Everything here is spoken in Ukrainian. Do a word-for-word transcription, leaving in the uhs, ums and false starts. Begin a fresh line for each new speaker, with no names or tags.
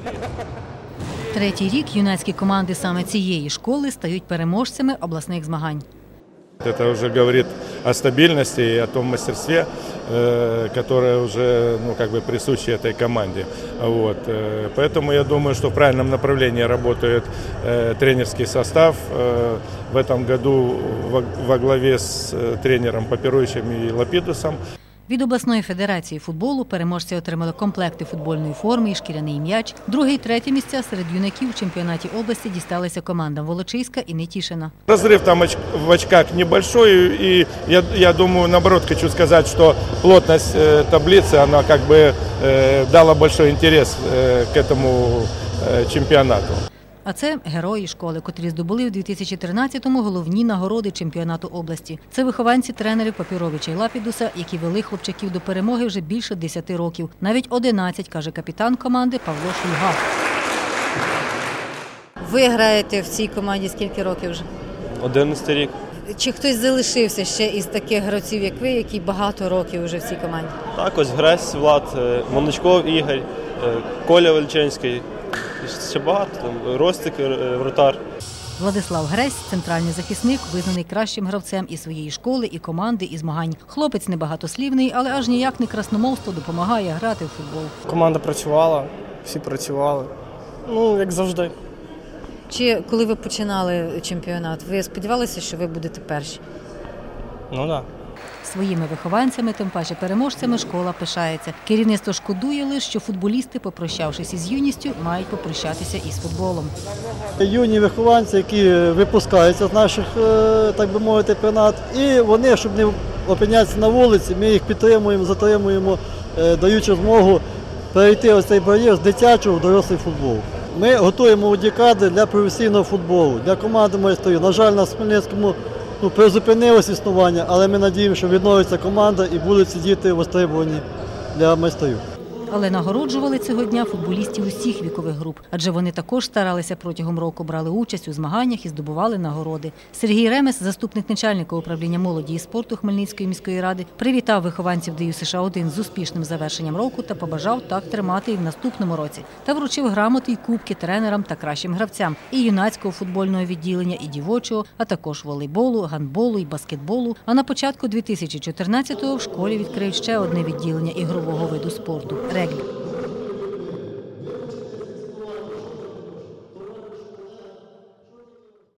Третій рік юнацькі команди саме цієї школи стають переможцями обласних змагань.
Это уже говорит о стабильности и о том мастерстве, которое уже ну, как бы присуще этой команде. Вот. Поэтому я думаю, что в правильном направлении работает тренерский состав. В этом году во главе с тренером Папіруючим и Лапідусом.
Від обласної федерації футболу переможці отримали комплекти футбольної форми і шкіряний м'яч. Друге і третє місця серед юнаків у чемпіонаті області дісталися командам Волочиська і Нетішина.
Разрыв там в очках небольшой, и я, я думаю, наоборот, хочу сказать, что плотность таблицы, она как бы дала большой интерес к этому чемпионату.
А це герої школи, котрі здобули в дві тисячі тринадцятому головні нагороди чемпіонату області. Це вихованці тренерів Папіровича і Лапідуса, які вели хлопчаків до перемоги вже більше десяти років. Навіть одинадцять, каже капітан команди Павло Шульга.
Ви граєте в цій команді скільки років вже?
одинадцятий рік.
Чи хтось залишився ще із таких гравців, як ви, які багато років вже в цій команді?
Так, ось Гресь Влад, Моночков Ігор, Коля Вельчинський. Ще багато, там, Ростик, вратар.
Владислав Гресь – центральний захисник, визнаний кращим гравцем і своєї школи, і команди, і змагань. Хлопець небагатослівний, але аж ніяк не красномовство допомагає грати в футбол.
Команда працювала, всі працювали, ну, як завжди.
Чи коли ви починали чемпіонат, ви сподівалися, що ви будете перші?
Ну, так.
Своїми вихованцями, тим паче переможцями, школа пишається. Керівництво шкодує лише, що футболісти, попрощавшись із юністю, мають попрощатися із футболом.
Юні вихованці, які випускаються з наших, так би мовити, пенат, і вони, щоб не опинятися на вулиці, ми їх підтримуємо, затримуємо, даючи змогу перейти ось цей бар'єр з дитячого в дорослий футбол. Ми готуємо молоді кадри для професійного футболу, для команди майстрів. На жаль, на Хмельницькому Ну, призупинилось існування, але ми надіємося, що відновиться команда і будуть сидіти востребувані для майстрів.
Але нагороджували цього дня футболістів усіх вікових груп, адже вони також старалися протягом року, брали участь у змаганнях і здобували нагороди. Сергій Ремес, заступник начальника управління молоді і спорту Хмельницької міської ради, привітав вихованців ДЮСШ США один з успішним завершенням року та побажав так тримати і в наступному році. Та вручив грамоти й кубки тренерам та кращим гравцям і юнацького футбольного відділення, і дівочого, а також волейболу, гандболу і баскетболу. А на початку дві тисячі чотирнадцятого в школі відкриють ще одне відділення ігрового виду спорту – регбі.